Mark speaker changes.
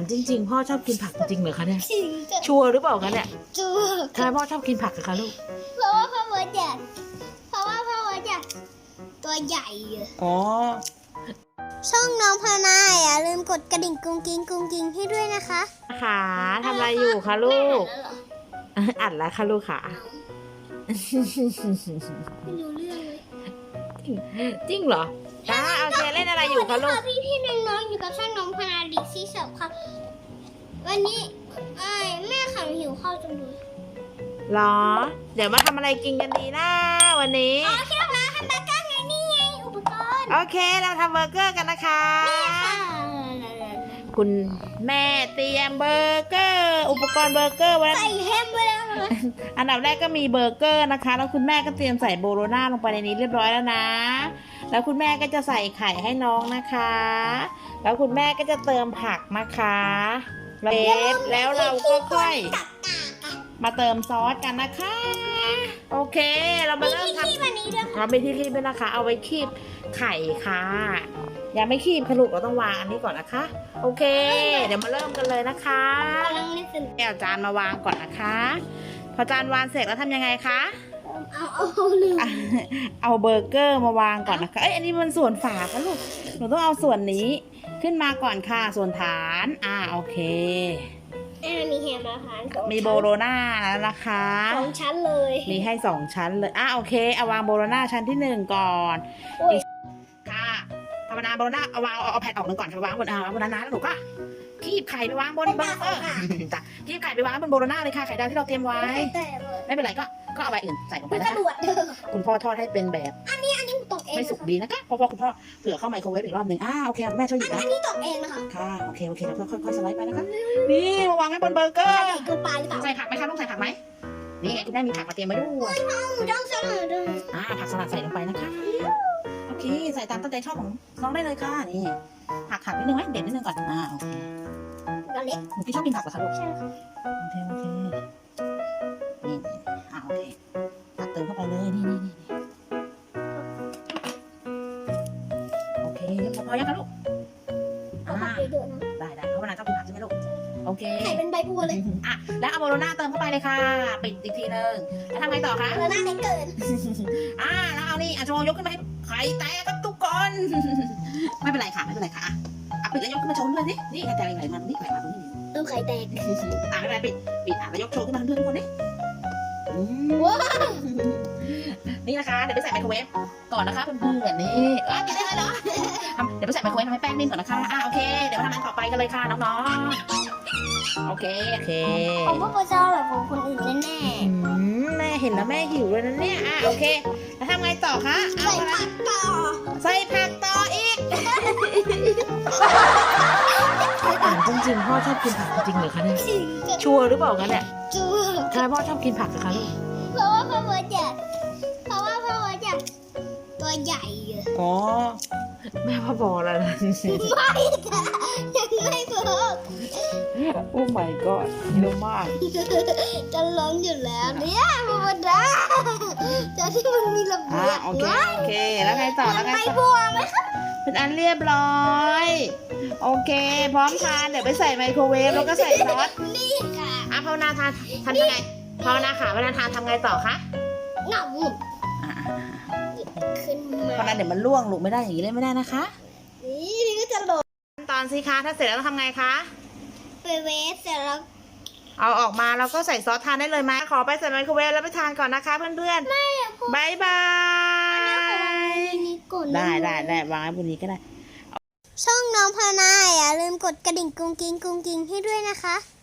Speaker 1: จริงๆพ่อชอบกินผักจริงเหรอคะเนี่ย
Speaker 2: จริงจ้ะ
Speaker 1: ชัวร์หรือเปล่าคะเนี่ย
Speaker 2: จู
Speaker 1: ทำไมพ่อชอบกินผักอะคะลูก
Speaker 2: เพราะว่าพ่อเวิร์ดอยากเพราะว่าพ่อเวิร์ดอยากตัวใหญ่อะ
Speaker 1: อ๋อ
Speaker 2: ช่องน้องพนาอย่าลืมกดกระดิ่งกุ้งกิ้งกุ้งกิ้งให้ด้วยนะคะ
Speaker 1: ขาทำอะไรอยู่คะลูกอัดแล้วค่ะลูกค่ะ
Speaker 2: ไม่รู้เรื่องเลย
Speaker 1: จริงเหรอโอเคเล่นอะไรอยู่คะลูก
Speaker 2: พี่น้องๆอยู่กับช่องน้องพนาดิซี่เสิร์ฟค่ะวันนี้แม่ขังหิวข้าวจังเลย
Speaker 1: หรอ เดี๋ยวมาทำอะไรกินกันดีนะวันนี้
Speaker 2: อ๋อที่เราทำเบอร์เกอร์ไงนี่ไงอุปกรณ์
Speaker 1: โอเคเราทำเบอร์เกอร์กันนะคะ
Speaker 2: ค่ะ
Speaker 1: คุณแม่เตรียมเบอร์เกอร์ อุปกรณ์เบอร์เกอร์ไว้
Speaker 2: ใส่แฮมไปแล้วนะ
Speaker 1: อันดับแรกก็มีเบอร์เกอร์นะคะแล้วคุณแม่ก็เตรียมใส่โบโลน่าลงไปในนี้เรียบร้อยแล้วนะ แล้วคุณแม่ก็จะใส่ไข่ให้น้องนะคะ แล้วคุณแม่ก็จะเติมผักนะคะแล้วเราก็ค่อยมาเติมซอสกันนะคะ โอเค เรามาเริ่มทำ
Speaker 2: ที่วันนี้ด้วยค่ะ
Speaker 1: เราไม่ที่คีบด้วยนะคะ เอาไว้คีบไข่ค่ะยังไม่คีบค่ะลูกเราต้องวางอันนี้ก่อนนะคะ โอเค เดี๋ยวมาเริ่มกันเลยนะคะ
Speaker 2: กำลังนึกถึง
Speaker 1: เอาจานมาวางก่อนนะคะ พอจานวางเสร็จแล้วทำยังไงคะ
Speaker 2: เอาลืม
Speaker 1: เอาเบอร์เกอร์มาวางก่อนนะคะ เอ้ยอันนี้มันส่วนฝาค่ะลูกหนูต้องเอาส่วนนี้ขึ้นมาก่อนค่ะส่วนฐานโอเค
Speaker 2: มีแฮมนะคะ
Speaker 1: มีโบโลน่าแล้วนะคะ
Speaker 2: สองชั้นเลย
Speaker 1: มีให้2ชั้นเลยโอเคเอาวางโบโลน่าชั้นที่1ก่อน
Speaker 2: โอ้ย
Speaker 1: ค่ะธรรมดาโบโลน่าเอาแผ่นออกหนึ่งก่อนค่ะวางบนบนนั้นนะแล้วหนูก็คีบไข่ไปวางบนเบอร์เกอร์จ้ะคีบไข่ไปวางบนโบโลน่าเลยค่ะไข่ดาวที่เราเตรียมไว้
Speaker 2: แต่เลย
Speaker 1: ไม่เป็นไรก็เอาใบอื่นใส่ลงไป
Speaker 2: มัน
Speaker 1: นะ
Speaker 2: กระ
Speaker 1: คะ
Speaker 2: ดวดเด้อ
Speaker 1: คุณพ่อทอดให้เป็นแบบ
Speaker 2: อันนี้ตกเอง
Speaker 1: ไม่สุกดีนะคะเพราะว่าคุณพ่อเผื่อเข้าไมโครเวฟอีกรอบหนึ่งโอเคแม่ช่วยหยิบนะ
Speaker 2: อันนี้ตกเองนะคะ
Speaker 1: ค่ะโอเคแล้วก็ค่อยๆสไลด์ไปนะคะนี่มาวางไว้บนเบอร์เกอร์
Speaker 2: ใหญ่เกินไปหรือเปล่า
Speaker 1: ใส่ผักไหมคะลูกใส่ผักไหมนี่ไงคุณแม่มีผักมาเตรียมไว้ด้วย
Speaker 2: ต้องเสมอด้วย
Speaker 1: ผักสลัดใส่ลงไปนะคะโอเคใส่ตามตั้งใจชอบของน้องได้เลยค่ะนี่ผักนิดนึงไหมเด็ดนิดนึงก่อนโอเค
Speaker 2: ก็เล็ก
Speaker 1: หนูพี่ชอบกินผักเหรอคะลูก
Speaker 2: ใช่ค่ะ
Speaker 1: โอเคนี่โอเคตักเติมเข้าไปเลยนี่โอเคพอยังคะลูก
Speaker 2: เอาผักเยอะๆนะ
Speaker 1: ได้เพราะว่านางชอบกินผักใช่ไหมลูกโอเค
Speaker 2: ใส่เป็นใบบัวเลย
Speaker 1: แล้วเอาโบโลน่าเติมเข้าไปเลยค่ะปิดอีกทีนึงแล้วทำไงต่อคะ
Speaker 2: แล้วหน้าเล็กเกิน
Speaker 1: แล้วเอานี่โชว์ยกขึ้นมาให้ไข่แตกกับทุกคน ไม่เป็นไรค่ะปิดแล้วยกขึ้นมาโชว์ด้วยสินี่ไข่แตกไหลมาตรงนี้ไหลมาตรงนี้
Speaker 2: เริ่มไข่แตก
Speaker 1: ไม่เป็นไรปิดแล้วยกโชว์ขึ้นมาเพื่อนทุกคนนี่
Speaker 2: ว้าว
Speaker 1: นี่นะคะเดี๋ยวไปใส่ไมโครเวฟก่อนนะคะเพื่อนๆนี่กินได้เลยเหรอเดี๋ยวไปใส่ไมโครเวฟทำให้แป้งนิ่มก่อนนะคะโอเคเดี๋ยวมาทำอันต่อไปกันเลยค่ะน้องๆโอเค
Speaker 2: ผมว่าโปรเจอแบบของคนอื่นแน่
Speaker 1: แม่เห็นแล้วแม่หิวเลยนะเนี่ยโอเคแล้วทำไงต่อคะ
Speaker 2: ๆใส่ผักต่อ
Speaker 1: ใส่ผักต่ออีกจริงๆพ่อชอบกินผักจริงเหรอคะเนี่ย
Speaker 2: จริงจะ
Speaker 1: ชัวร์หรือเปล่าคะเนี่ย
Speaker 2: จู
Speaker 1: ทำไมพ่อชอบกินผักอะคะลูก
Speaker 2: เพราะว่าพ่อเวิร์ดอยากตัวใหญ่อะ
Speaker 1: อ๋อแม่พ่อบอกแล้วนะ
Speaker 2: ไม่ค่ะยังไม่บอก
Speaker 1: โอ้ my god เยอะมาก
Speaker 2: จะล้มอยู่แล้วเนี่ยธรรมดาจะที่มันมีระเบียบ
Speaker 1: โอเคแล้วไงต่อแล้วไง
Speaker 2: ใบ
Speaker 1: ต่อ
Speaker 2: บัวไหมคะ
Speaker 1: เป็นอันเรียบร้อยโอเคพร้อมทานเดี๋ยวไปใส่ไมโครเวฟแล้วก็ใส่ซอส
Speaker 2: นี่ค่ะ
Speaker 1: ภาวนาทานทำยังไงภาวนาค่ะเวลาทานทำไงต่อคะ
Speaker 2: หนังขึ้นมา
Speaker 1: ภาวนาเดี๋ยวมันล่วงลูกไม่ได้อย่างนี้เลยไม่ได้นะคะ
Speaker 2: นี่ก็จะหล่น
Speaker 1: ขั้นตอนสิคะถ้าเสร็จแล้วต้องทำไงคะ
Speaker 2: ไปเวฟเสร็จแล้ว
Speaker 1: เอาออกมาแล้วก็ใส่ซอสทานได้เลยไหมขอไปใส่ไมโครเวฟแล้วไปทานก่อนนะคะเพื่อนๆบายบาย
Speaker 2: นี่กด
Speaker 1: ได้วางไว้บนนี้ก็ได้
Speaker 2: ช่องน้องพนาอย่าลืมกดกระดิ่งกุ้งกิ้งกุ้งกิ้งให้ด้วยนะคะ